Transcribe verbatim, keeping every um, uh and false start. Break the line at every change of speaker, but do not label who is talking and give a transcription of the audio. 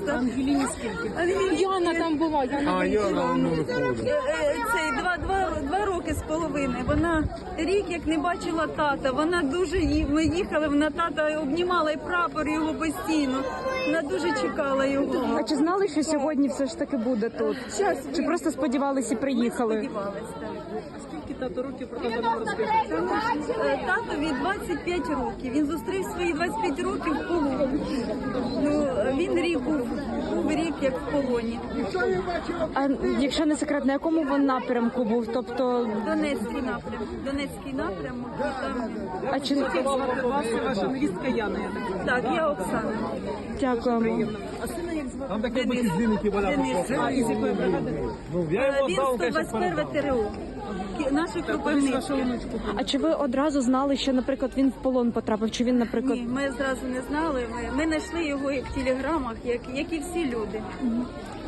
просто.
Ангеліні скільки?
Яна там була, Яна
А, Яна, ну, виходить.
Е, е, Цей два, два, два роки з половиною. Вона рік як не бачила тата. Вона дуже ї- ми їхали, вона тата обнімала і прапор його постійно. Вона дуже чекала його.
А чи знали, що сьогодні все ж таки буде тут? Чи просто сподівалися і приїхали?
Сподівалась, так.
Скільки тато років про тата нам розкажете?
Е, Татові двадцять п'ять років. Він зустрів свої двадцять п'ять років в полоні. Ну, він рік був, був рік як в полоні.
А якщо не секрет, на якому він напрямку був? Тобто,
Донецький напрямок. Донецький напрямок. І там...
а чи
Звати вас і ваша невістка Яна, я так.
Так, я Оксана.
дякуємо?
А сина як звати?
Там таке
Денис.
бачить длинники валяться.
Денис.
А із якої бригади?
Ну, я
Е,
його
Він
здав,
сто
конечно,
двадцять перше ТРО. Ки- Наші
Колись
кропивнички.
вашу онучку.
А чи ви одразу знали, що, наприклад, він в полон потрапив? Чи він, наприклад,
Ні, ми зразу не знали. Ми, ми знайшли його як в телеграмах, як, як і всі люди.